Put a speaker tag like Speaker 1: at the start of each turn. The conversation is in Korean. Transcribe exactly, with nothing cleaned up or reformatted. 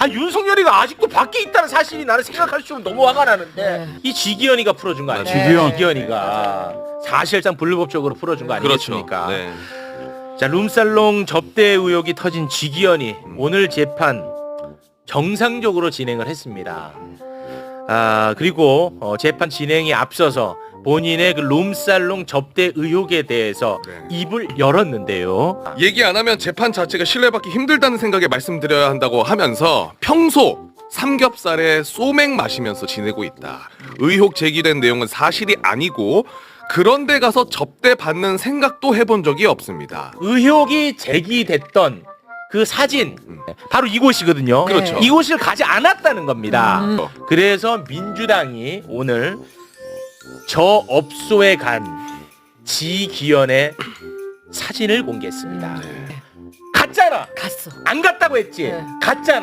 Speaker 1: 아 윤석열이가 아직도 밖에 있다는 사실이 나는 생각할수록 너무 화가 나는데
Speaker 2: 네.
Speaker 1: 이 지기현이가 풀어준 거 아니에요?
Speaker 2: 네. 지기현.
Speaker 1: 지기현이가 사실상 불법적으로 풀어준 거
Speaker 3: 그렇죠.
Speaker 1: 아니겠습니까?
Speaker 3: 네.
Speaker 1: 자 룸살롱 접대 의혹이 터진 지기현이 오늘 재판 정상적으로 진행을 했습니다. 아 그리고 어, 재판 진행이 앞서서 본인의 그 룸살롱 접대 의혹에 대해서
Speaker 3: 네.
Speaker 1: 입을 열었는데요.
Speaker 3: 얘기 안 하면 재판 자체가 신뢰받기 힘들다는 생각에 말씀드려야 한다고 하면서 평소 삼겹살에 소맥 마시면서 지내고 있다. 의혹 제기된 내용은 사실이 아니고 그런 데 가서 접대 받는 생각도 해본 적이 없습니다.
Speaker 1: 의혹이 제기됐던 그 사진 바로 이곳이거든요.
Speaker 3: 그렇죠.
Speaker 1: 이곳을 가지 않았다는 겁니다.
Speaker 2: 음.
Speaker 1: 그래서 민주당이 오늘 저 업소에 간 지기현의 사진을 공개했습니다. 갔잖아.
Speaker 2: 갔어.
Speaker 1: 안 갔다고 했지.
Speaker 2: 네.
Speaker 1: 갔잖아.